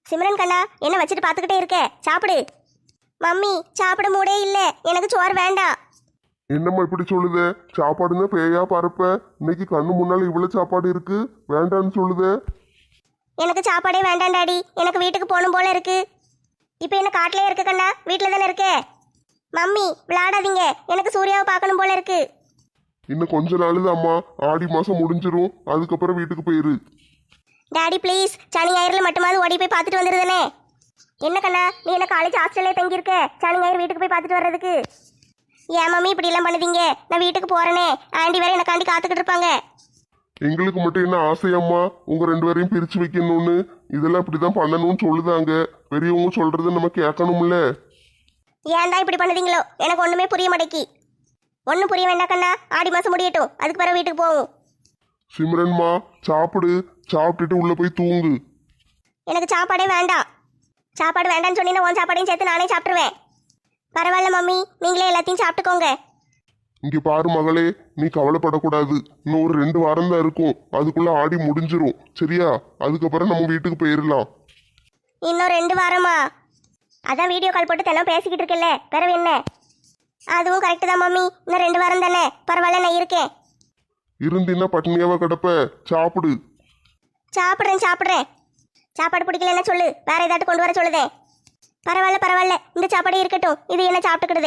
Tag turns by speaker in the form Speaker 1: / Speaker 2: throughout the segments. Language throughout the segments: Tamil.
Speaker 1: சிம்ரன் கண்ணா, என்ன வச்சுட்டு பார்த்துக்கிட்டே இருக்க? சாப்பிடு. மம்மி, சாப்பிட மூடே இல்ல, எனக்கு சோறு வேண்டாம்.
Speaker 2: என்னம்மா இப்படி சொல்லுதே? சாப்பாடுன்னா பேயா பறப்ப? இன்னைக்கு கண்ணு முன்னால இவ்வளவு சாப்பாடு இருக்கு, வேண்டான்னு சொல்லுதே.
Speaker 1: எனக்கு சாப்பாடே வேண்டாம் டாடி, எனக்கு வீட்டுக்கு போகணும் போல இருக்கு. இப்போ என்ன காட்டிலே இருக்கு கண்ணா? வீட்டில் தானே இருக்க. மம்மி விளையாடாதீங்க, எனக்கு சூர்யாவை பார்க்கணும் போல இருக்கு.
Speaker 2: இன்னும் கொஞ்ச நாள் அம்மா, ஆடி மாசம் முடிஞ்சிரும், அதுக்கப்புறம் வீட்டுக்கு போயிரு.
Speaker 1: டாடி ப்ளீஸ், சனி ஞாயிறுல மட்டுமாவது ஓடி போய் பார்த்துட்டு வந்துருதானே. என்ன கண்ணா, நீ என்ன காலேஜ் ஹாஸ்டல்லே தங்கியிருக்க சனி ஞாயிறு வீட்டுக்கு போய் பார்த்துட்டு வர்றதுக்கு? ஏன் மம்மி இப்படி எல்லாம் பண்ணுதீங்க? நான் வீட்டுக்கு போறேனே, ஆண்டி வேற எனக்காண்டி காத்துக்கிட்டு இருப்பாங்க.
Speaker 2: எங்களுக்கு மட்டும் என்ன ஆசையம்மா உங்க ரெண்டு பேரையும் பிரிச்சு வைக்கணும்னு? இதெல்லாம் இப்படிதான் பண்ணணும்னு சொல்லுதாங்க. பெரியவங்க சொல்றது நம்ம கேட்கணும்ல.
Speaker 1: ஏன்டா இப்படி பண்ணுதீங்களோ? எனக்கு ஒண்ணுமே புரிய மாட்டேக்கி. ஒன்றும் புரிய வேண்டாம் கண்ணா, ஆடி மாசம் முடியட்டும், அதுக்கு பிறகு வீட்டுக்கு போவோம்.
Speaker 2: சிம்ரன்மா சாப்பிடு, சாப்பிட்டுட்டு உள்ள போய் தூங்கு.
Speaker 1: எனக்கு சாப்பாடே வேண்டாம். சாப்பாடு வேண்டாம்னு சொன்னீங்கன்னா உன் சாப்பாடையும் சேர்த்து நானே சாப்பிட்டுருவேன். பரவாயில்ல மம்மி, நீங்களே எல்லாத்தையும் சாப்பிட்டுக்கோங்க.
Speaker 2: இங்க பாரு மகளே, நீ கவலைப்படக்கூடாது. இன்னும் ஒரு 2 வாரம் தான் இருக்கும், அதுக்குள்ள ஆடி முடிஞ்சிரும் சரியா? அதுக்கப்புறம் நம்ம வீட்டுக்கு போயிடலாம்.
Speaker 1: இன்னும் 2 வாரமா? அதான் வீடியோ கால் போட்டு தினம் பேசிக்கிட்டு இருக்கல, பிறவு என்ன? அதுவும் கரெக்டு தான் மம்மி, இன்னும் 2 வாரம் தானே, பரவாயில்ல நான் இருக்கேன்.
Speaker 2: இருந்தின்னா பட்னியாவா கிடப்ப? சாப்பிடு.
Speaker 1: சாப்பிட்றேன். சாப்பாடு பிடிக்கலன்னா சொல்லு, வேற ஏதாட்டு கொண்டு வர சொல்லுதேன். பரவாயில்ல, இந்த சாப்பாடே இருக்கட்டும், இது என்ன சாப்பிட்டுக்கிடுதே.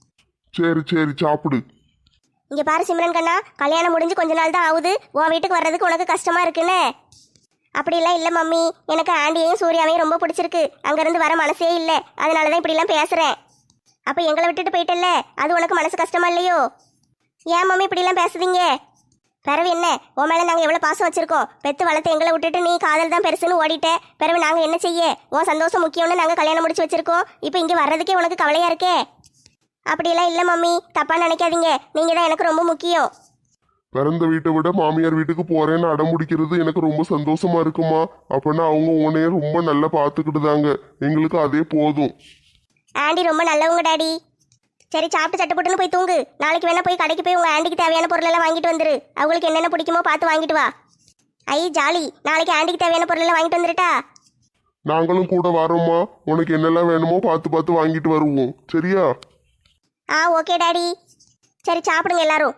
Speaker 2: சரி சாப்பிடு.
Speaker 1: இங்க பாரு சிம்ரன் கண்ணா, கல்யாணம் முடிஞ்சு கொஞ்ச நாள் தான் ஆகுது, உன் வீட்டுக்கு வர்றதுக்கு உனக்கு கஷ்டமா இருக்குன்னு. அப்படிலாம் இல்லை மம்மி, எனக்கு ஆண்டியையும் சூர்யாவையும் ரொம்ப பிடிச்சிருக்கு, அங்கேருந்து வர மனசே இல்லை, அதனால தான் இப்படிலாம் பேசுகிறேன். அப்போ எங்களை விட்டுட்டு போயிட்டல்ல, அது உனக்கு மனசு கஷ்டமா இல்லையோ? ஏன் மம்மி இப்படிலாம் பேசுதீங்க? பிறவு என்ன, உன் மேலே நாங்கள் எவ்வளோ பாசம் வச்சுருக்கோம். பெற்று வளர்த்து எங்களை விட்டுட்டு நீ காதல் தான் பெருசுன்னு ஓடிட்ட. பிறகு நாங்கள் என்ன செய்ய? உன் சந்தோஷம் முக்கியம்னு நாங்கள் கல்யாணம் முடிச்சு வச்சுருக்கோம். இப்போ இங்கே வர்றதுக்கே உனக்கு கவலையாக இருக்கே. அப்படியெல்லாம் இல்லை மம்மி, தப்பாக நினைக்காதீங்க, நீங்கள் தான் எனக்கு ரொம்ப முக்கியம்.
Speaker 2: பிறந்த வீட்டை விட மாமியார் வீட்டுக்கு போறேன்னு அடம் முடிக்கிறது எனக்கு ரொம்ப சந்தோஷமா இருக்குமா? அப்படின்னா அவங்க உன்னைய ரொம்ப நல்லா பார்த்துக்கிட்டுதாங்க, எங்களுக்கு அதே போதும்.
Speaker 1: ஆண்டி ரொம்ப நல்லவங்க டாடி. சரி, சாப்பிட்டு சட்டுப்பட்டுன்னு போய் தூங்கு. நாளைக்கு வேணா போய் கடைக்கு போய் உங்கள் ஆண்டிக்கு தேவையான பொருளெல்லாம் வாங்கிட்டு வந்துரு. அவங்களுக்கு என்னென்ன பிடிக்குமோ பார்த்து வாங்கிட்டு வா. ஐ ஜாலி, நாளைக்கு ஆண்டிக்கு தேவையான பொருளெல்லாம் வாங்கிட்டு வந்துருட்டா?
Speaker 2: நாங்களும் கூட வரோம்மா, உனக்கு என்னெல்லாம் வேணுமோ பார்த்து வாங்கிட்டு வருவோம் சரியா?
Speaker 1: Okay daddy. சரி சாப்பிடுங்க எல்லாரும்.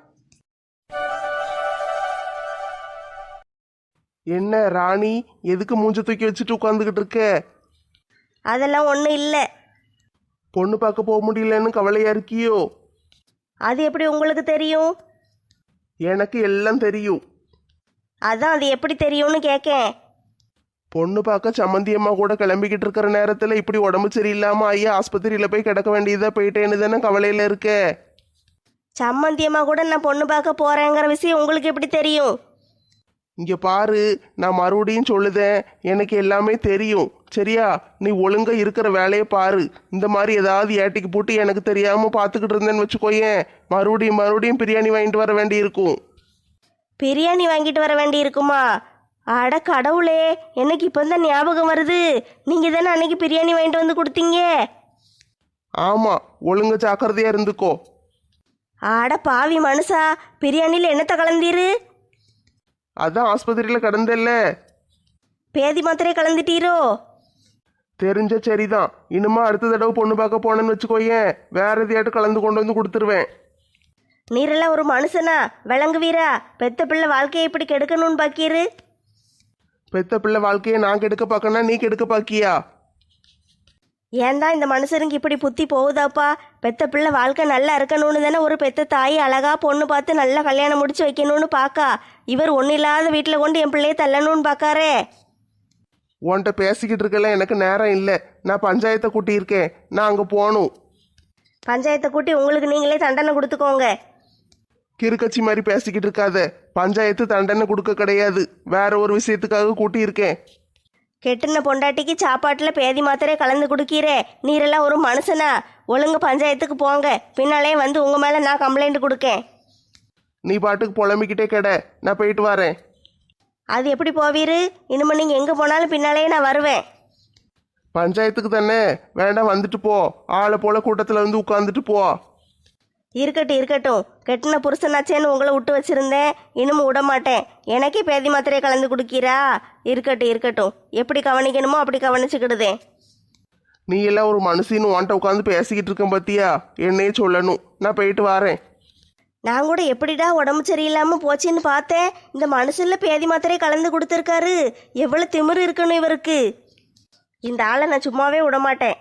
Speaker 3: என்ன ராணி, எதுக்கு மூஞ்ச தூக்கி வச்சுட்டு உட்காந்துக்கிட்டு இருக்க?
Speaker 4: அதெல்லாம் ஒன்றும் இல்லை.
Speaker 3: பொண்ணு பார்க்க போக முடியலன்னு கவலையா இருக்கியோ?
Speaker 4: அது எப்படி உங்களுக்கு தெரியும்?
Speaker 3: எனக்கு எல்லாம் தெரியும்.
Speaker 4: அதான் அது எப்படி தெரியும்னு கேட்கேன்.
Speaker 3: பொண்ணு பார்க்க சம்மந்தியம்மா கூட கிளம்பிக்கிட்டு இருக்கிற நேரத்தில் இப்படி உடம்பு சரியில்லாமல் ஐயா ஆஸ்பத்திரியில் போய் கிடக்க வேண்டியதாக போயிட்டேன்னு தானே கவலையில் இருக்க.
Speaker 4: சம்மந்தியமாக கூட நான் பொண்ணு பார்க்க போகிறேங்கிற விஷயம் உங்களுக்கு எப்படி தெரியும்?
Speaker 3: இங்கே பாரு, நான் மறுபடியும் சொல்லுதேன், எனக்கு எல்லாமே தெரியும் சரியா? நீ ஒழுங்கா இருக்கிற வேலையை பாரு. இந்த மாதிரி ஏதாவது ஏட்டிக்கு போட்டு எனக்கு தெரியாமல் பார்த்துக்கிட்டு இருந்தேன்னு வச்சுக்கோயேன், மறுபடியும் பிரியாணி வாங்கிட்டு வர வேண்டி இருக்கும்.
Speaker 4: பிரியாணி வாங்கிட்டு வர வேண்டி இருக்குமா? அட கடவுளே, எனக்கு இப்போ தான் ஞாபகம் வருது. நீங்கள் தானே அன்னைக்கு பிரியாணி வாங்கிட்டு வந்து கொடுத்தீங்க.
Speaker 3: ஆமாம், ஒழுங்கா ஜாக்கிரதையாக இருந்துக்கோ.
Speaker 4: அட பாவி மனுஷா, பிரியாணியில் என்னத்தை கலந்தீரு?
Speaker 3: அதான் ஆஸ்பத்திரியில் கிடந்தல்ல.
Speaker 4: பேதி மாத்திரை கலந்துட்டீரோ?
Speaker 3: தெரிஞ்ச சரிதான், இனிமே அடுத்த தடவை பொண்ணு பார்க்க போனேன்னு வச்சுக்கோயேன், வேற எதையாட்டு கலந்து கொண்டு வந்து கொடுத்துருவேன்.
Speaker 4: நீரெல்லாம் ஒரு மனுஷனா? விளங்குவீரா? பெத்த பிள்ளை வாழ்க்கையை இப்படி கெடுக்கணும்னு பாக்கீரு.
Speaker 3: பெத்த பிள்ளை வாழ்க்கையை நான் கெடுக்க பார்க்கனா நீ கெடுக்க பாக்கியா?
Speaker 4: ஏன்டா இந்த மனுஷனுக்கு இப்படி புத்தி போகுதாப்பா? பெத்த பிள்ளை வாழ்க்கை நல்லா இருக்கணும்னு தானே ஒரு பெத்த தாய் அழகா பொண்ணு பார்த்து நல்லா கல்யாணம் முடிச்சு வைக்கணும்னு பாக்கா. இவர் ஒன்றும் இல்லாத வீட்டில் கொண்டு என் பிள்ளையை தள்ளணும்னு பார்க்காரே.
Speaker 3: உன்கிட்ட பேசிக்கிட்டு இருக்கல, எனக்கு நேரம் இல்லை. நான் பஞ்சாயத்தை கூட்டியிருக்கேன், நான் அங்கே போகணும்.
Speaker 4: பஞ்சாயத்தை கூட்டி உங்களுக்கு நீங்களே தண்டனை கொடுத்துக்கோங்க.
Speaker 3: கிறுக்கச்சி மாதிரி பேசிக்கிட்டு இருக்காத. பஞ்சாயத்து தண்டனை கொடுக்க கிடையாது, வேற ஒரு விஷயத்துக்காக கூட்டியிருக்கேன்.
Speaker 4: கெட்டுன பொண்டாட்டிக்கு சாப்பாட்டில் பேதி மாத்திரை கலந்து கொடுக்கீரே, நீரெல்லாம் ஒரு மனுஷனா? ஒழுங்கு பஞ்சாயத்துக்கு போங்க, பின்னாலே வந்து உங்கள் மேலே நான் கம்ப்ளைண்ட் கொடுக்கேன்.
Speaker 3: நீ பாட்டுக்கு புலம்பிக்கிட்டே கிட, நான் போயிட்டு வரேன்.
Speaker 4: அது எப்படி போவீரு? இனிமே நீங்கள் எங்கே போனாலும் பின்னாலேயே நான் வருவேன்.
Speaker 3: பஞ்சாயத்துக்கு தானே, வேண்டாம் வந்துட்டு போ. ஆளை போல கூட்டத்தில் வந்து உட்காந்துட்டு போ.
Speaker 4: இருக்கட்டும் இருக்கட்டும், கெட்டின புருஷனாச்சேன்னு உங்களை விட்டு வச்சிருந்தேன், இன்னமும் விட மாட்டேன். எனக்கே பேதி மாத்திரையை கலந்து குடிக்கிறா. இருக்கட்டும் இருக்கட்டும், எப்படி கவனிக்கணுமோ அப்படி கவனிச்சுக்கிடுதேன்.
Speaker 3: நீ எல்லாம் ஒரு மனுஷின்னு உன்ட்ட உட்காந்து பேசிக்கிட்டு இருக்கேன் பார்த்தியா? என்னையே சொல்லணும். நான் போயிட்டு வரேன்.
Speaker 4: நான் கூட எப்படிடா உடம்பு சரியில்லாமல் போச்சுன்னு பார்த்தேன். இந்த மனுஷன்ல பேதி மாத்திரையை கலந்து கொடுத்துருக்காரு. எவ்வளோ திமிரு இருக்கணும் இவருக்கு. இந்த ஆளை நான் சும்மாவே விட மாட்டேன்.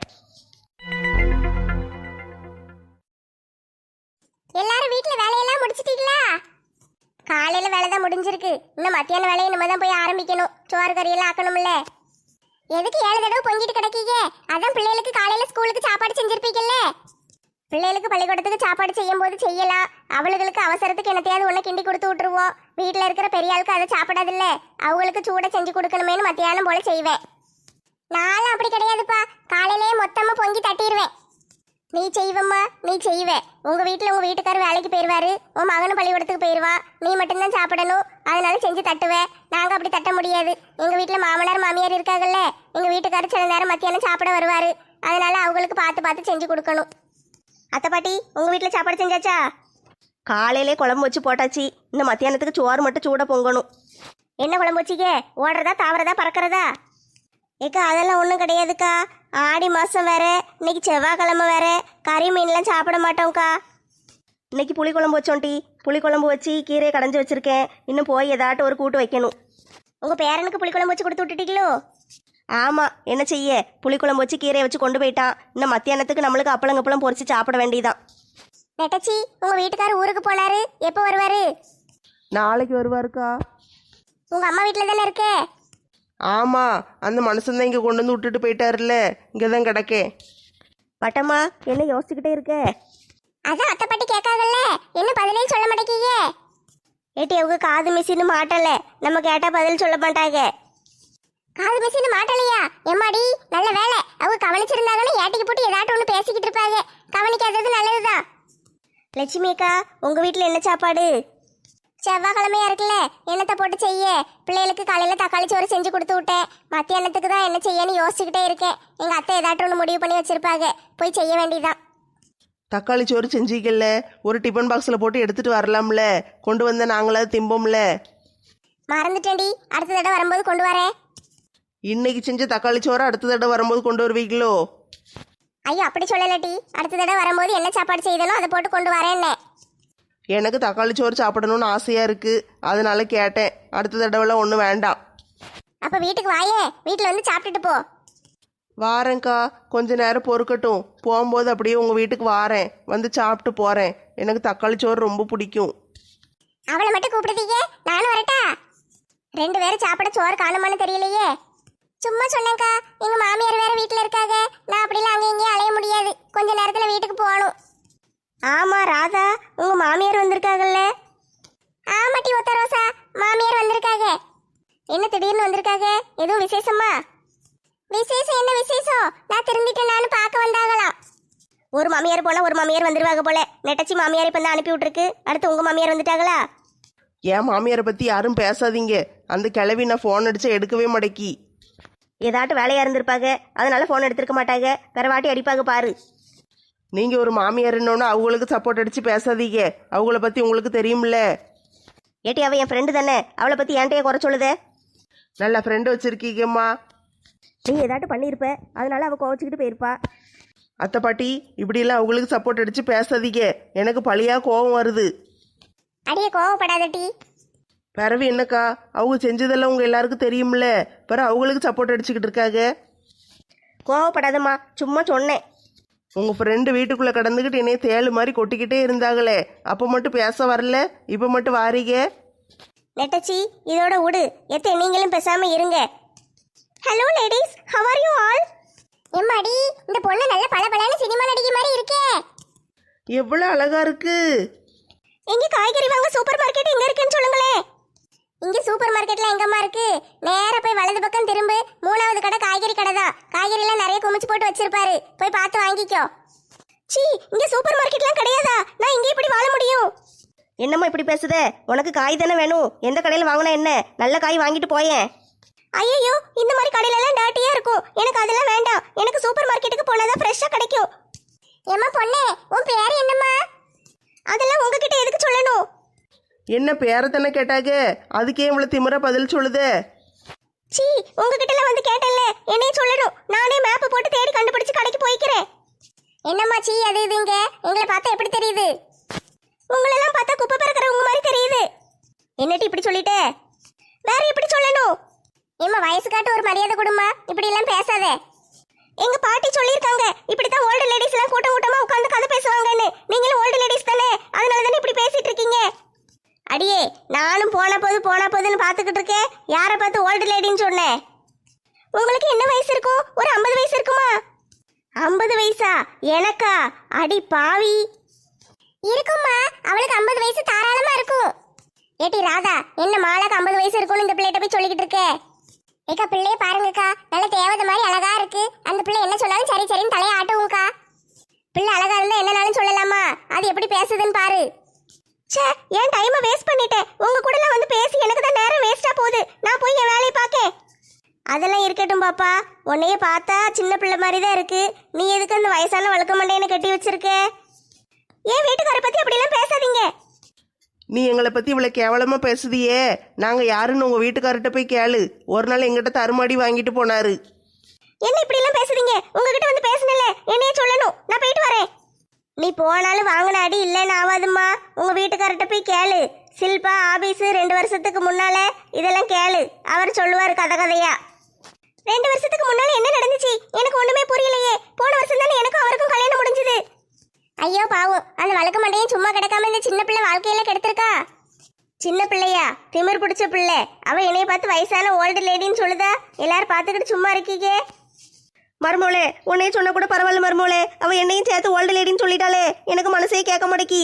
Speaker 1: எல்லாரும் வீட்ல வேலையெல்லாம் முடிச்சிட்டீங்களா? காலையில வேலை தான் முடிஞ்சிருக்கு. இன்னும் மத்தியான வேலையை நம்ம தான் போய் ஆரம்பிக்கணும். சோறு கறியெல்லாம் ஆக்கணும்ல. எதுக்கு 7 தடவை பொங்கிட்டு கிடக்கீங்க? அதான் பிள்ளைகளுக்கு காலையில ஸ்கூலுக்கு சாப்பாடு செஞ்சிருப்பீங்கல்ல. பிள்ளைகளுக்கு பள்ளிக்கூடத்துக்கு சாப்பாடு செய்யும் போது செய்யலாம். அவளுகளுக்கு அவசரத்துக்கு என்னத்தையாவது ஒன்று கிண்டி கொடுத்து விட்டுருவோம். வீட்டில் இருக்கிற பெரிய ஆளுக்கு அதை சாப்பிடாதில்ல, அவங்களுக்கு சூட செஞ்சு கொடுக்கணுமேனு மத்தியானம் போல செய்வேன். நானும் அப்படி கிடையாதுப்பா, காலையிலேயே மொத்தமாக பொங்கி தட்டிடுவேன். நீ செய்வம்மா, நீ செய்வே. உங்க வீட்டில் உங்க வீட்டுக்காரர் வேலைக்கு போயிடுவாரு, உன் மகனும் பள்ளிக்கூடத்துக்கு போயிடுவா. நீ மட்டும்தான் சாப்பிடணும், அதனால செஞ்சு தட்டுவேன். நாங்கள் அப்படி தட்ட முடியாது. எங்கள் வீட்டில் மாமனார் மாமியார் இருக்காங்கல்ல, எங்கள் வீட்டுக்காரர் சில நேரம் மத்தியானம் சாப்பிட வருவார். அதனால அவங்களுக்கு பார்த்து பார்த்து செஞ்சு கொடுக்கணும். அத்தை பாட்டி, உங்கள் வீட்டில் சாப்பாடு செஞ்சாச்சா?
Speaker 4: காலையிலே குழம்பு வச்சு போட்டாச்சு. இன்னும் மத்தியானத்துக்கு சோறு மட்டும் சூட பொங்கணும்.
Speaker 1: என்ன குழம்பு வச்சிக்க? ஓடுறதா தாவறதா பறக்கிறதா? ஏக்கா அதெல்லாம் ஒன்றும் கிடையாதுக்கா. ஆடி மாதம் வேற, இன்னைக்கு செவ்வாய்க்கிழமை வேற, கறி மீன்லாம் சாப்பிட மாட்டோம்க்கா.
Speaker 4: இன்னைக்கு புளிக்குழம்பு வச்சோம் டீ. புளிக்குழம்பு வச்சு கீரையை கடைஞ்சி வச்சிருக்கேன். இன்னும் போய் ஏதாட்டும் ஒரு கூட்டு வைக்கணும்.
Speaker 1: உங்கள் பேரனுக்கு புளிக்குழம்பு வச்சு கொடுத்து விட்டுட்டீங்களோ?
Speaker 4: ஆமாம், என்ன செய்ய, புளிக்குழம்பு வச்சு கீரையை வச்சு கொண்டு போயிட்டான். இன்னும் மத்தியானத்துக்கு நம்மளுக்கு அப்பளங்கப்பளம் பொரிச்சு சாப்பிட வேண்டியதான்.
Speaker 1: நெட்டச்சி, உங்கள் வீட்டுக்காரர் ஊருக்கு போனாரு, எப்போ வருவார்?
Speaker 3: நாளைக்கு வருவாருக்கா.
Speaker 1: உங்கள் அம்மா வீட்டில் தானே இருக்கே?
Speaker 3: ஆமாம், அந்த மனுஷன் தான் இங்கே கொண்டு வந்து விட்டுட்டு போயிட்டாருல்ல, இங்கே தான் கிடக்கேன்.
Speaker 4: பட்டம்மா, என்ன யோசிச்சுக்கிட்டே இருக்க?
Speaker 1: அதான் அத்தை பாட்டி கேட்காங்கல்ல, என்ன பதிலே சொல்ல மாட்டேங்க? ஏட்டி, அவங்க காது மிஷின் மாட்டல, நம்ம கேட்டால் பதில் சொல்ல மாட்டாங்க. காது மிஷின் மாட்டலையா? எம்மாடி, நல்ல வேலை. அவங்க கவனிச்சிருந்தாங்கன்னா ஏட்டிக்கு போட்டு ஏதாட்டும் ஒன்று பேசிக்கிட்டு இருப்பாங்க. கவனிக்காதது நல்லதுதான். லட்சுமி அக்கா, உங்கள் வீட்டில் என்ன சாப்பாடு? செவ்வாய்க்கிழமையா இருக்குல்ல, என்னத்தை போட்டு செய்ய? பிள்ளைகளுக்கு காலையில் தக்காளி சோறு செஞ்சு கொடுத்து விட்டேன். மத்தியானத்துக்கு தான் என்ன செய்யன்னு யோசிச்சுக்கிட்டே இருக்கேன். எங்கள் அத்தை ஏதாட்டும் ஒன்று முடிவு பண்ணி வச்சிருப்பாங்க, போய் செய்ய வேண்டியதான்.
Speaker 3: தக்காளி சோறு செஞ்சிக்கல, ஒரு டிஃபன் பாக்ஸில் போட்டு எடுத்துகிட்டு வரலாம்ல, கொண்டு வந்த நாங்களாவது திம்போம்ல.
Speaker 1: மறந்துட்டேன்டி, அடுத்த தடவை வரும்போது கொண்டு வரேன்.
Speaker 3: இன்னைக்கு செஞ்ச தக்காளி சோறு அடுத்த தடவை வரும்போது கொண்டு வருவீங்களோ?
Speaker 1: ஐயோ, அப்படி சொல்லலட்டி, அடுத்த தடவை வரும்போது என்ன சாப்பாடு செய்தனோ அதை போட்டு கொண்டு வரேன்னே.
Speaker 3: எனக்கு தக்காளி சோறு சாப்பிடணும்னு ஆசையாக இருக்குது, அதனால கேட்டேன். அடுத்த தடவைலாம் ஒன்றும் வேண்டாம்.
Speaker 1: அப்போ வீட்டுக்கு வாயே, வீட்டில் வந்து சாப்பிட்டுட்டு போ.
Speaker 3: வாரேங்க்கா, கொஞ்ச நேரம் பொறுக்கட்டும். போகும்போது அப்படியே உங்கள் வீட்டுக்கு வாரேன், வந்து சாப்பிட்டு போகிறேன். எனக்கு தக்காளி சோறு ரொம்ப பிடிக்கும்.
Speaker 1: அவளை மட்டும் கூப்பிடுதீங்க, நானும் வரட்டா? 2 பேரும் சாப்பிட சோறு காணுமான்னு தெரியலையே. சும்மா சொன்னேங்க்கா, எங்கள் மாமியார் வேற வீட்டில் இருக்காங்க. நான் அப்படிலாம் அங்கே இங்கேயும் அலைய முடியாது, கொஞ்ச நேரத்தில் வீட்டுக்கு போகணும்.
Speaker 4: ஆமாம் ராதா, உங்கள் மாமியார் வந்திருக்காங்கல்ல?
Speaker 1: ஆமாட்டி ஒத்த ரோசா, மாமியார் வந்திருக்காங்க. என்ன திடீர்னு வந்திருக்காங்க? எதுவும் விசேஷமா? விசேஷம் என்ன விசேஷம்? நான் திரும்பிட்டு நானும் பார்க்க வந்தாங்களாம்.
Speaker 4: ஒரு மாமியார் போனால் ஒரு மாமியார் வந்துருவாங்க போல. நெட்டச்சி மாமியார் இப்போ தான் அனுப்பி விட்டுருக்கு. அடுத்து உங்கள் மாமியார் வந்துட்டாங்களா?
Speaker 3: என் மாமியாரை பற்றி யாரும் பேசாதீங்க. அந்த கிளவி நான் ஃபோன் அடித்தா எடுக்கவே மாட்டேக்கி.
Speaker 4: ஏதாட்டும் வேலையாக இருந்திருப்பாங்க, அதனால ஃபோன் எடுத்திருக்க மாட்டாங்க. வேற வாட்டி அடிப்பாங்க பாரு.
Speaker 3: நீங்கள் ஒரு மாமியார்னோன்னு அவங்களுக்கு சப்போர்ட் அடித்து பேசாதீங்க. அவங்கள பற்றி உங்களுக்கு தெரியும்ல.
Speaker 4: ஏட்டி, அவள் என் ஃப்ரெண்டு தானே, அவளை பற்றி ஏன்ட்டையே குறை சொல்லுதே?
Speaker 3: நல்ல ஃப்ரெண்டு வச்சுருக்கீங்கம்மா.
Speaker 4: நீ ஏதாட்டும் பண்ணியிருப்ப, அதனால அவள் கோவச்சிக்கிட்டு போயிருப்பா.
Speaker 3: அத்தை பாட்டி, இப்படிலாம் அவங்களுக்கு சப்போர்ட் அடித்து பேசாதீங்க. எனக்கு பழியாக கோபம் வருது.
Speaker 1: அடியே கோவப்படாதட்டி.
Speaker 3: பிறவு என்னக்கா, அவங்க செஞ்சதெல்லாம் உங்கள் எல்லாருக்கும் தெரியும்ல, பிறகு அவங்களுக்கு சப்போர்ட் அடிச்சுக்கிட்டு இருக்காங்க.
Speaker 4: கோவப்படாதம்மா, சும்மா சொன்னேன்.
Speaker 3: உங்கள் ஃப்ரெண்டு வீட்டுக்குள்ளே கடந்துக்கிட்டு என்னைய தேளு மாதிரி கொட்டிக்கிட்டே இருந்தாங்களே, அப்போ மட்டும் பேச வரல, இப்போ மட்டும் வாரீங்க.
Speaker 1: நெட்டச்சி, இதோட விடு. எத்த நீங்களும் பேசாம இருங்க. Hello ladies, how are you all? எம்மாடி, இந்த பொண்ணு நல்ல பளபளன்னு சினிமா நடிகை மாதிரி இருக்கே.
Speaker 3: எவ்வளோ அழகா இருக்கு.
Speaker 1: எங்க காய்கறி வாங்க சூப்பர் மார்க்கெட் எங்க இருக்குன்னு சொல்லுங்களேன். இங்க சூப்பர் மார்க்கெட்ல எங்கம்மா இருக்கு? நேரா போய் வலது பக்கம் திரும்பு, 3வது கடை காய்கறி கடை தான். காய்கறி எல்லாம் நிறைய குமிச்சு போட்டு வச்சிருப்பாரு, போய் பார்த்து வாங்கிக்கோ. சீ, இங்க சூப்பர் மார்க்கெட்லாம் கிடையாதா? நான் இங்க இப்படி வாழ முடியும்?
Speaker 4: என்னம்மா இப்படி பேசுதே? உனக்கு காய் தானே வேணும், எந்த கடையில் வாங்கினா என்ன? நல்ல காய் வாங்கிட்டு போயேன்.
Speaker 1: ஐயோ, இந்த மாதிரி கடையில எல்லாம் டாட்டியா இருக்கும், எனக்கு அதெல்லாம் வேண்டாம். எனக்கு சூப்பர் மார்க்கெட்டுக்கு போனாதான் ஃப்ரெஷ்ஷா கிடைக்கும். ஏம்மா பொண்ணே, உன் பேர் என்னம்மா? அதெல்லாம் உங்ககிட்ட எதுக்கு சொல்லணும்?
Speaker 3: என்ன பேரை தானே கேட்டாங்க, அதுக்கே இவ்வளோ திமிரா பதில் சொல்லுதே.
Speaker 1: சீ, உங்ககிட்ட வந்து கேட்டேன்ல, என்னைய சொல்லணும். நானே மேப் போட்டு தேடி கண்டுபிடிச்சு கடைக்கு போய்க்கிறேன். என்னம்மா சீ அது இதுங்க? எங்களை பார்த்தா எப்படி தெரியுது? உங்களெல்லாம் பார்த்தா குப்பை பறக்கிறவங்க மாதிரி தெரியுது. என்னட்டு இப்படி சொல்லிட்டே? வேற எப்படி சொல்லணும்? ஏம்மா வயசு காட்டு ஒரு மரியாதை கொடுமா, இப்படி எல்லாம் பேசாதே. எங்க பாட்டி சொல்லியிருக்காங்க, இப்படித்தான் ஓல்டு லேடிஸ் எல்லாம் கூட்டம் கூட்டமா உட்காந்து கதை பேசுவாங்கன்னு. நீங்களும் ஓல்டு லேடிஸ் தானே, அதனால தானே இப்படி பேசிட்டு இருக்கீங்க. அடியே, நானும் போன போதுன்னு பார்த்துக்கிட்டு இருக்கேன். யாரை பார்த்து ஓல்டு லேடின்னு சொன்னேன்? உங்களுக்கு என்ன வயசு இருக்கும்? ஒரு 50 வயசு இருக்குமா? 50 வயசா? எனக்கா? அடி பாவி. இருக்கும்மா, அவளுக்கு 50 வயசு தாராளமா இருக்கும். ஏட்டி ராதா, என்ன மாலாக்கு 50 வயசு இருக்கும்னு இந்த பிள்ளைகிட்ட போய் சொல்லிக்கிட்டு இருக்கே? ஏக்கா பிள்ளைய பாருங்கக்கா, நல்ல தேவதை மாதிரி அழகா இருக்கு. அந்த பிள்ளை என்ன சொன்னாலும் சரி சரின்னு தலையை ஆட்டுவோம்க்கா. பிள்ளை அழகா இருந்தா என்னனாலும் சொல்லலாமா? அது எப்படி பேசுதுன்னு பாரு. ச்சே, ஏன் டைமை வேஸ்ட் பண்ணிட்டேன். உங்க கூட வந்து பேசி எனக்கு தான் நேரம் வேஸ்டா போகுது. நான் போய் என் வேலையை பார்க்கேன். அதெல்லாம் இருக்கட்டும் பாப்பா, உன்னையே பார்த்தா சின்ன பிள்ளை மாதிரி தான் இருக்கு. நீ எதுக்கு அந்த வயசான வழுக்க மண்டையனை கட்டி வச்சிருக்க? ஏன் வீட்டுக்காரை பத்தி அப்படிலாம் பேசாதீங்க.
Speaker 3: நீ எங்களை பற்றி இவ்வளோ கேவலமாக பேசுதியே, நாங்கள் யாருன்னு உங்கள் வீட்டுக்கார்ட்ட போய் கேளு. ஒரு நாள் எங்கிட்ட தருமாடி வாங்கிட்டு போனாரு.
Speaker 1: என்ன இப்படி எல்லாம் பேசுறீங்க? உங்ககிட்ட வந்து பேசணும்ல, என்னைய சொல்லணும். நான் போயிட்டு வரேன். நீ போனாலும் வாங்கின அடி இல்லைன்னு ஆகாதும்மா. உங்க வீட்டுக்கார்ட்ட போய் கேளு. சில்பா ஆபீஸ் 2 வருஷத்துக்கு முன்னால இதெல்லாம் கேளு, அவர் சொல்லுவாரு கதை கதையா. 2 வருஷத்துக்கு முன்னால என்ன நடந்துச்சு எனக்கு ஒண்ணுமே புரியலையே. போன வருஷம் தானே எனக்கும் அவருக்கும் கல்யாணம் முடிஞ்சது. ஐயோ பாவம், அந்த வழக்கு மண்டையும் சும்மா கிடக்காம இந்த சின்ன பிள்ளை வாழ்க்கையில கெடுத்திருக்கா. சின்ன பிள்ளையா? திமிர் பிடிச்ச பிள்ளை. அவ என்னைய பார்த்து வயசான ஓல்டு லேடின்னு சொல்லுதா. எல்லாரும் பார்த்துக்கிட்டு சும்மா இருக்கீங்க.
Speaker 4: மருமோளே, உன்னையே சொன்ன கூட பரவாயில்ல மருமோளே. அவ என்னையும் சேர்த்து ஓல்டு லேடின்னு சொல்லிட்டாளே, எனக்கு மனசே கேட்க மாட்டேக்கி.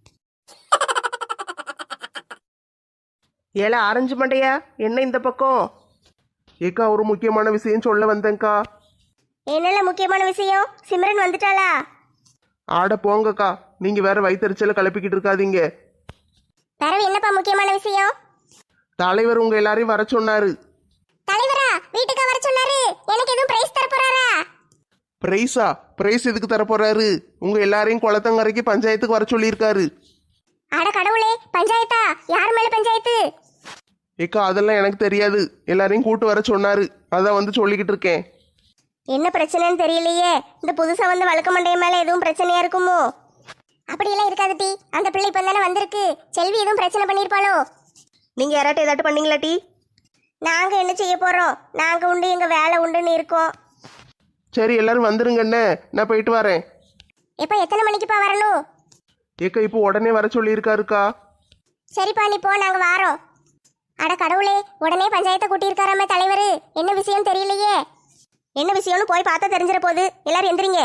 Speaker 3: ஏல ஆரஞ்சு மண்டையா, என்ன இந்த பக்கம்? ஏக்கா ஒரு முக்கியமான விஷயம் சொல்ல வந்தேங்க்கா.
Speaker 1: என்னல முக்கியமான விஷயம்? சிம்ரன் வந்துட்டாளா?
Speaker 3: ஆட போங்கக்கா, நீங்கள் வேற வயிற்றுச்சல கிளப்பிக்கிட்டு இருக்காதீங்க.
Speaker 1: தரவு என்னப்பா முக்கியமான விஷயம்?
Speaker 3: தலைவர் உங்கள் எல்லாரையும் வர சொன்னாரு.
Speaker 1: தலைவரா? வீட்டுக்கு வர சொன்னாரு. எனக்கு எதுவும் பிரைஸ் தர போறாரா?
Speaker 3: பிரைஸா? பிரைஸ் எதுக்கு தரப்போறாரு? உங்கள் எல்லாரையும் குளத்தங்கரைக்கு பஞ்சாயத்துக்கு வர சொல்லியிருக்காரு.
Speaker 1: அட கடவுளே, பஞ்சாயத்தா? யார் மேல பஞ்சாயத்து?
Speaker 3: ஏக்கா அதெல்லாம் எனக்கு தெரியாது, எல்லாரையும் கூட்டு வர சொன்னாரு, அதான் வந்து சொல்லிக்கிட்டு இருக்கேன்.
Speaker 1: என்ன பிரச்சனைன்னு தெரியலையே. இந்த புதுசா வந்து வழக்க மண்டைய மேல எதுவும் பிரச்சனையா இருக்குமோ? அப்படியெல்லாம் இருக்காது டி. அந்த பிள்ளை இப்ப தானே வந்திருக்கு. செல்வி எதுவும் பிரச்சனை பண்ணிருப்பாளோ?
Speaker 4: நீங்க யாராட்டும் ஏதாட்டும் பண்ணீங்களா டி?
Speaker 1: நாங்க என்ன செய்ய போறோம்? நாங்க உண்டு எங்க வேலை உண்டுன்னு இருக்கோம்.
Speaker 3: சரி எல்லாரும் வந்துருங்கண்ணே, நான் போயிட்டு வரேன்.
Speaker 1: எப்ப எத்தனை மணிக்குப்பா வரணும்?
Speaker 3: ஏக்கா இப்போ உடனே வர சொல்லியிருக்காருக்கா.
Speaker 1: சரிப்பா நீ போ, நாங்க வாரோம். அட கடவுளே, உடனே பஞ்சாயத்தை கூட்டியிருக்காராமே தலைவர். என்ன விஷயம் தெரியலையே. என்ன விஷயம்னு போய் பார்த்தா தெரிஞ்சிட போகுது. எல்லாரும் எந்திரிங்க.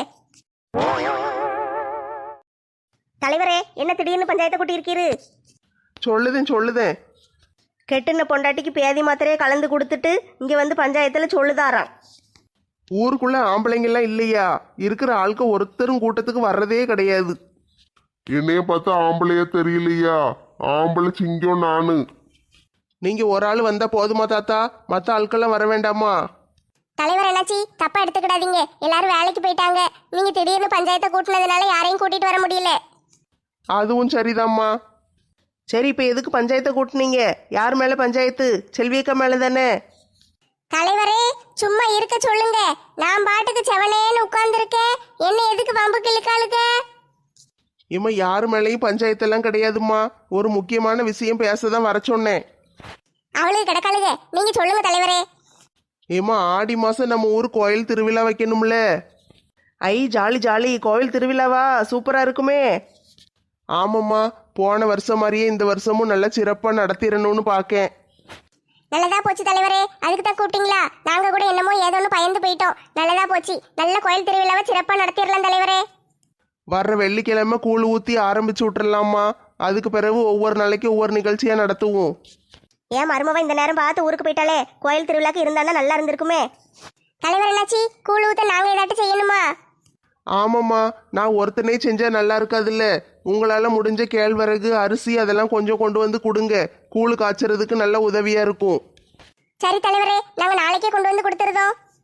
Speaker 1: தலைவரே, என்ன திடீர்னு பஞ்சாயத்தை கூட்டியிருக்கீரு?
Speaker 3: சொல்லுதேன்.
Speaker 4: கெட்டுன பொண்டாட்டிக்கு பேதி மாத்திரையே கலந்து கொடுத்துட்டு இங்க வந்து பஞ்சாயத்துல சொல்லுதாராம்.
Speaker 3: ஊருக்குள்ள ஆம்பளைங்கெல்லாம் இல்லையா? இருக்கிற ஆட்க ஒருத்தரும் கூட்டத்துக்கு வர்றதே கிடையாது.
Speaker 2: என்னைய பார்த்தா ஆம்பளையா தெரியலையா? ஆம்பளை சிங்கம் நானு.
Speaker 3: நீங்க ஒரு ஆள் வந்தா போதுமா தாத்தா? மற்ற ஆட்கள்லாம் வர வேண்டாமா?
Speaker 1: தலைவர் என்னாச்சி, தப்பா எடுத்துக்கிடாதீங்க. எல்லாரும் வேலைக்கு போயிட்டாங்க. நீங்க திடீர்னு பஞ்சாயத்தை கூட்டினதுனால யாரையும் கூட்டிட்டு வர முடியல.
Speaker 3: அதுவும் சரிதாம்மா. சரி இப்போ எதுக்கு பஞ்சாயத்தை கூட்டினீங்க? யார் மேல பஞ்சாயத்து? செல்வியக்கா மேல தானே?
Speaker 1: தலைவரே, சும்மா இருக்க சொல்லுங்க. நான் பாட்டுக்கு செவனேன்னு உட்கார்ந்துருக்கேன். என்ன எதுக்கு வம்புக்கு இழுக்காளுங்க?
Speaker 3: இம்மா யார் மேலேயும் பஞ்சாயத்தெல்லாம் கிடையாதும்மா. ஒரு முக்கியமான விஷயம் பேச தான் வர சொன்னேன்.
Speaker 1: அவளுக்கு கிடக்காளுங்க, நீங்க சொல்லுங்க தலைவரே.
Speaker 3: ஏம்மா ஆடி மாசம் நம்ம ஊர் கோயில் திருவிழா வைக்கணும்ல.
Speaker 4: ஐ ஜாலி ஜாலி, கோவில் திருவிழாவா? சூப்பரா இருக்குமே.
Speaker 3: ஆமாம்மா, போன வருஷம் மாதிரியே இந்த வருஷமும் நல்லா சிறப்பாக நடத்திடணும்னு பார்க்கேன்.
Speaker 1: நல்லதா போச்சு தலைவரே. அதுக்கு தான் கூப்பிட்டீங்களா? நாங்க கூட என்னமோ ஏதோன்னு பயந்து போயிட்டோம். நல்லதா போச்சு. நல்ல கோயில் திருவிழாவை சிறப்பா நடத்திடலாம் தலைவரே.
Speaker 3: வர்ற வெள்ளிக்கிழமை கூழ் ஊற்றி ஆரம்பிச்சு விட்டுறலாமா? அதுக்கு பிறகு ஒவ்வொரு நாளைக்கு ஒவ்வொரு நிகழ்ச்சியாக நடத்துவோம்.
Speaker 1: ஏன் மருமவன் இந்த நேரம் பார்த்து ஊருக்கு போயிட்டாலே? கோயில் திருவிழாக்கு இருந்தானா நல்லா இருந்திருக்குமே. தலைவர் என்னாச்சு, கூழ் ஊத்த நாங்க ஏதாட்டும் செய்யணுமா?
Speaker 3: ஆமாம்மா, நான் ஒருத்தனே செஞ்சால் நல்லா இருக்காதுல்ல. உங்களால் முடிஞ்ச கேழ்வரகு அரிசி அதெல்லாம் கொஞ்சம் கொண்டு வந்து கொடுங்க. கூழ் காய்ச்சறதுக்கு நல்ல உதவியாக இருக்கும்.
Speaker 1: சரி தலைவரே, நாங்க நாளைக்கே கொண்டு வந்து கொடுத்துருதோம்.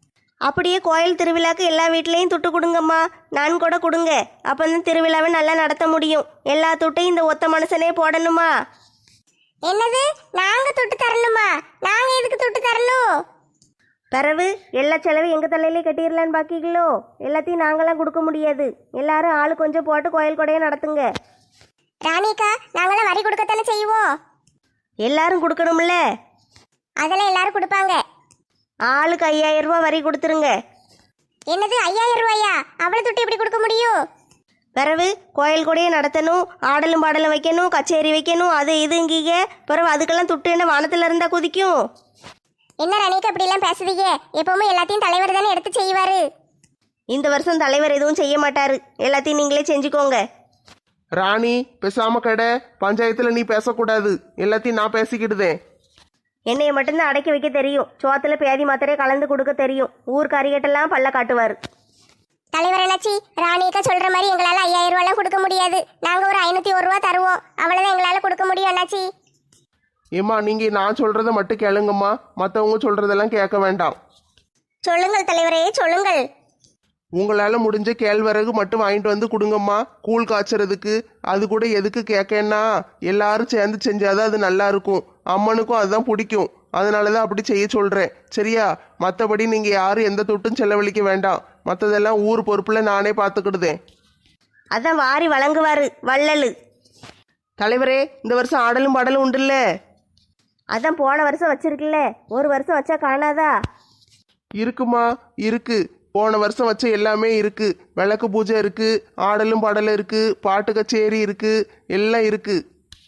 Speaker 4: அப்படியே கோயில் திருவிழாக்கு எல்லா வீட்லேயும் துட்டு கொடுங்கம்மா. நான் கூட கொடுங்க. அப்போ தான் திருவிழாவை நல்லா நடத்த முடியும். எல்லா துட்டையும் இந்த ஒத்த மனுஷனே போடணுமா?
Speaker 1: என்னது, நாங்க துட்டு தரணுமா? நாங்க எதுக்கு துட்டு தரணும்?
Speaker 4: பிறகு எல்லா செலவும் எங்கள் தலையிலே கட்டிடலான்னு பாக்கிங்களோ? எல்லாத்தையும் நாங்களாம் கொடுக்க முடியாது. எல்லாரும் ஆளு கொஞ்சம் போட்டு கோயில் கொடையை நடத்துங்க.
Speaker 1: ராணிக்கா, நாங்களாம் வரி கொடுக்கத்தானே செய்வோம்.
Speaker 4: எல்லாரும் கொடுக்கணும்ல?
Speaker 1: அதெல்லாம் எல்லாரும் கொடுப்பாங்க.
Speaker 4: ஆளுக்கு 5000 ரூபா வரி கொடுத்துருங்க.
Speaker 1: என்னது, 5000 ரூபாயா? அவ்வளவு துட்டு எப்படி கொடுக்க முடியும்?
Speaker 4: பிறகு கோயில் கொடையை நடத்தணும், ஆடலும் பாடலும் வைக்கணும், கச்சேரி வைக்கணும், அது இதுங்கீங்க. பிறகு அதுக்கெல்லாம் துட்டு என்ன வானத்தில் இருந்தால் குதிக்கும்?
Speaker 1: என்ன ராணிக்கா இப்படி எல்லாம் பேசுறீங்க? எப்பவுமே எல்லாத்தையும் தலைவர் தானே எடுத்து செய்வாரு.
Speaker 4: இந்த வருஷம் தலைவர் எதுவும் செய்ய மாட்டாரு. எல்லாத்தையும் நீங்களே செஞ்சுக்கோங்க.
Speaker 3: ராணி பேசாம கடை. பஞ்சாயத்தில் நீ பேசக்கூடாது. எல்லாத்தையும் நான் பேசிக்கிடுதேன்.
Speaker 4: என்னைய மட்டும்தான் அடக்கி வைக்க தெரியும். சோத்துல பேதி மாத்திரையை கலந்து கொடுக்க தெரியும். ஊர் கறிகட்டெல்லாம் பல்ல காட்டுவார்.
Speaker 1: தலைவர் என்னாச்சி, ராணிக்கா சொல்ற மாதிரி எங்களால 5000 ரூபாய்லாம் கொடுக்க முடியாது. நாங்க ஒரு 501 ரூபா தருவோம். அவ்வளவுதான் எங்களால கொடுக்க முடியும் அண்ணாச்சி.
Speaker 3: ஏம்மா நீங்க நான் சொல்றத மட்டும் கேளுங்கம்மா. மற்றவங்க சொல்றதெல்லாம் கேட்க வேண்டாம்.
Speaker 1: சொல்லுங்கள் தலைவரே, சொல்லுங்கள்.
Speaker 3: உங்களால் முடிஞ்ச கேழ்வரகு மட்டும் வாங்கிட்டு வந்து கொடுங்கம்மா, கூழ் காய்ச்சறதுக்கு. அது கூட எதுக்கு கேட்கன்னா, எல்லாரும் சேர்ந்து செஞ்சாதான் அது நல்லா இருக்கும். அம்மனுக்கும் அதுதான் பிடிக்கும். அதனால தான் அப்படி செய்ய சொல்கிறேன். சரியா? மற்றபடி நீங்கள் யாரும் எந்த தொட்டும் செலவழிக்க வேண்டாம். மற்றதெல்லாம் ஊர் பொறுப்பில் நானே பார்த்துக்கிடுதேன்.
Speaker 4: அதான் வாரி வழங்குவாரு வள்ளலு. தலைவரே, இந்த வருஷம் ஆடலும் பாடலும் உண்டுல்ல? அதான் போன வருஷம் வச்சிருக்குல்ல, ஒரு வருஷம் வச்சா காணாதா?
Speaker 3: இருக்குமா, இருக்கு. போன வருஷம் வச்ச எல்லாமே இருக்கு. விளக்கு பூஜை இருக்கு, ஆடலும் பாடலும் இருக்கு, பாட்டு கச்சேரி இருக்கு, எல்லாம் இருக்கு.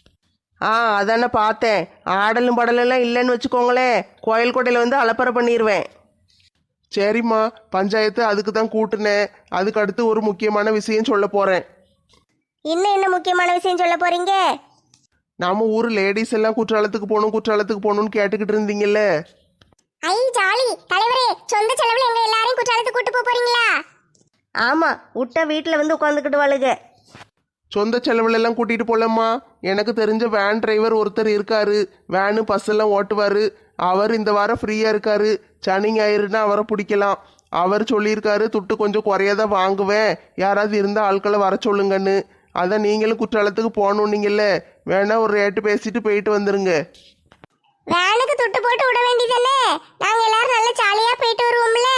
Speaker 4: அதானே பார்த்தேன். ஆடலும் பாடலெல்லாம் இல்லைன்னு வச்சுக்கோங்களேன், கோயில் கொடையில் வந்து அலப்பறை பண்ணிடுவேன்.
Speaker 3: சரிம்மா, பஞ்சாயத்து அதுக்கு தான் கூட்டுனேன். அதுக்கு அடுத்து ஒரு முக்கியமான விஷயம் சொல்ல போகிறேன்.
Speaker 1: இன்னும் என்ன முக்கியமான விஷயம் சொல்ல போறீங்க?
Speaker 3: நம்ம ஊர் லேடிஸ் எல்லாம் குற்றாலத்துக்கு போகணும்னு கேட்டுக்கிட்டு இருந்தீங்கல்ல.
Speaker 1: ஐ ஜாலி. தலைவரே, சொந்த செலவுல எங்க எல்லாரையும் குற்றாலத்துக்கு கூட்டு போறீங்களா?
Speaker 4: ஆமாம், விட்டா வீட்டில் வந்து உட்காந்துக்கிட்டு வாழுங்க.
Speaker 3: சொந்த செலவுல எல்லாம் கூட்டிட்டு போலம்மா. எனக்கு தெரிஞ்ச வேன் டிரைவர் ஒருத்தர் இருக்காரு. வேனு பஸ் எல்லாம் ஓட்டுவாரு. அவர் இந்த வாரம் ஃப்ரீயா இருக்காரு. சனி ஞாயிறுனா அவரை பிடிக்கலாம். அவர் சொல்லியிருக்காரு, துட்டு கொஞ்சம் குறையாதான் வாங்குவேன், யாராவது இருந்தா ஆட்களை வர சொல்லுங்கன்னு. அதான் நீங்களும் குற்றாலத்துக்கு போகணுன்னீங்கல்ல, வேணா ஒரு ரேட்டு பேசிட்டு போயிட்டு வந்துருங்க.
Speaker 1: வேனுக்கு துட்டு போட்டு விட வேண்டியதானே? நாங்க எல்லாரும் நல்ல ஜாலியா போயிட்டு வருவோம்ல.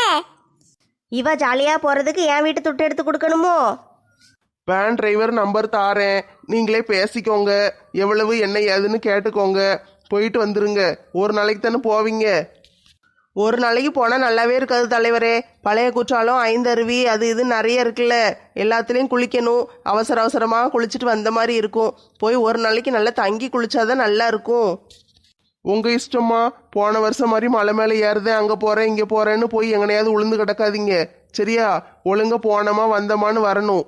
Speaker 4: இவ ஜாலியாக போகிறதுக்கு என் வீட்டு துட்டு எடுத்து கொடுக்கணுமோ?
Speaker 3: வேன் டிரைவர் நம்பர் தாரேன், நீங்களே பேசிக்கோங்க. எவ்வளவு என்ன ஏதுன்னு கேட்டுக்கோங்க. போயிட்டு வந்துருங்க. ஒரு நாளைக்கு தானே போவீங்க.
Speaker 4: ஒரு நாளைக்கு போனால் நல்லாவே இருக்காது தலைவரே. பழைய குற்றாலம், ஐந்தருவி, அது இது நிறைய இருக்குல்ல. எல்லாத்துலேயும் குளிக்கணும். அவசர அவசரமாக குளிச்சுட்டு வந்த மாதிரி இருக்கும். போய் ஒரு நாளைக்கு நல்லா தங்கி குளிச்சாதான் நல்லா இருக்கும்.
Speaker 3: உங்க இஷ்டமா. போன வருஷம் மாதிரி மலை மேலே ஏறுதேன், அங்கே போகிறேன் இங்கே போகிறேன்னு போய் எங்கனையாவது உளுந்து கிடக்காதீங்க. சரியா? ஒழுங்கா போனோமா வந்தோமான்னு வரணும்.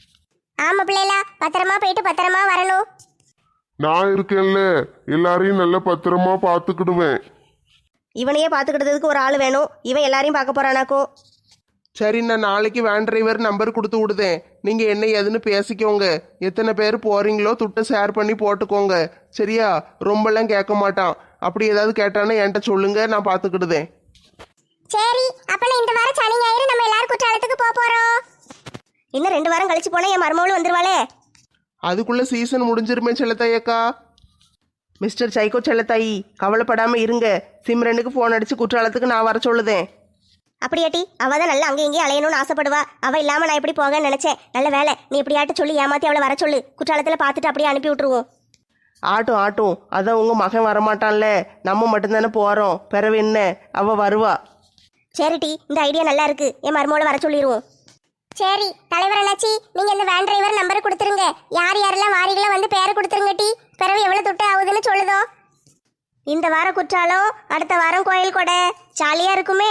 Speaker 1: ஆமா பிள்ளைகளா, பத்திரமா போயிட்டு பத்திரமா வரணும்.
Speaker 2: நான் இருக்கேன்ல, எல்லாரையும் நல்ல பத்திரமா பார்த்துக்கிடுவேன்.
Speaker 4: இவனையே பார்த்துக்கிட்டதுக்கு ஒரு ஆள் வேணும். இவன் எல்லாரையும் பார்க்க போறானாக்கும்.
Speaker 3: சரி, நான் நாளைக்கு வேன் டிரைவர் நம்பர் கொடுத்து விடுதேன். நீங்கள் என்ன ஏதுன்னு பேசிக்கோங்க. எத்தனை பேர் போகிறீங்களோ துட்டை ஷேர் பண்ணி போட்டுக்கோங்க. சரியா? ரொம்பலாம் கேட்க மாட்டான். அப்படி ஏதாவது கேட்டானே என்கிட்ட சொல்லுங்க, நான் பார்த்துக்கிடுதேன்.
Speaker 1: சரி, அப்ப இந்த வாரம் சனி ஞாயிறு நம்ம எல்லாரும் குற்றாலத்துக்கு போறோம்.
Speaker 4: இன்னும் 2 வாரம் கழிச்சு போனால் என் மருமகளும் வந்துருவாளே.
Speaker 3: அதுக்குள்ளே சீசன் முடிஞ்சிருமே செல்லத்தாயக்கா.
Speaker 4: மிஸ்டர் சைக்கோ செல்லத்தாயி, கவலைப்படாமல் இருங்க. சிம்ரனுக்கு ஃபோன் அடித்து குற்றாலத்துக்கு நான் வர சொல்லுதேன். அப்படியாட்டி, அவள் தான் நல்லா அங்கேயும் இங்கேயும் அலையணும்னு ஆசைப்படுவா. அவள் இல்லாமல் நான் எப்படி போகன்னு நினச்சேன். நல்ல வேலை, நீ இப்படியாட்டு சொல்லி ஏமாற்றி அவளை வர சொல்லு. குற்றாலத்தில் பார்த்துட்டு அப்படியே அனுப்பி விட்டுருவோம். ஆட்டும், அதான் உங்கள் மகன் வரமாட்டான்ல, நம்ம மட்டும்தானே போகிறோம். பிறவு என்ன, அவள் வருவா. சரிட்டி, இந்த ஐடியா நல்லா இருக்கு. என் மருமகளை வர சொல்லிடுவோம்.
Speaker 1: சரி தலைவர் அண்ணாச்சி, நீங்க இந்த வேன் டிரைவர் நம்பர் கொடுத்துருங்க. யார் யாரெல்லாம் வாரிகளோ வந்து பேரை கொடுத்துருங்க. டி பிறகு எவ்வளவு துட்டு ஆகுதுன்னு சொல்லுதோ.
Speaker 4: இந்த வாரம் குற்றாலம், அடுத்த வாரம் கோயில் கொடை. ஜாலியாக இருக்குமே.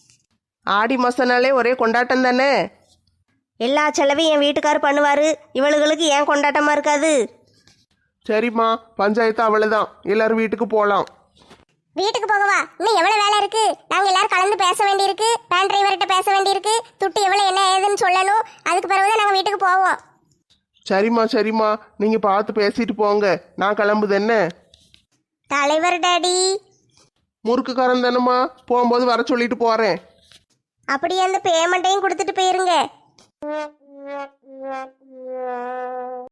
Speaker 4: ஆடி மாதம்னாலே ஒரே கொண்டாட்டம் தானே. எல்லா செலவையும் என் வீட்டுக்காரர் பண்ணுவார். இவளுகளுக்கு ஏன் கொண்டாட்டமாக இருக்காது?
Speaker 3: சரிம்மா, பஞ்சாயத்து அவ்வளோதான். எல்லாரும் வீட்டுக்கு போகலாம்.
Speaker 1: வீட்டுக்கு போகவா? இன்னும் எவ்வளவு வேலை இருக்கு. நாங்க எல்லாரும் கலந்து பேச வேண்டியிருக்கு. வேன் டிரைவர்கிட்ட பேச வேண்டியிருக்கு. துட்டு எவ்வளவு என்ன ஏதுன்னு சொல்லணும். அதுக்கு பிறகுதான் நாங்க வீட்டுக்கு போவோம்.
Speaker 3: சரிம்மா, நீங்கள் பார்த்து பேசிட்டு போங்க. நான் கிளம்புது என்ன.
Speaker 1: தலைவர் டாடி.
Speaker 3: முறுக்குக்காரன் தானம்மா, போகும்போது வர சொல்லிட்டு போகிறேன்.
Speaker 1: அப்படியே அந்த பேமெண்ட்டையும் கொடுத்துட்டு போயிருங்க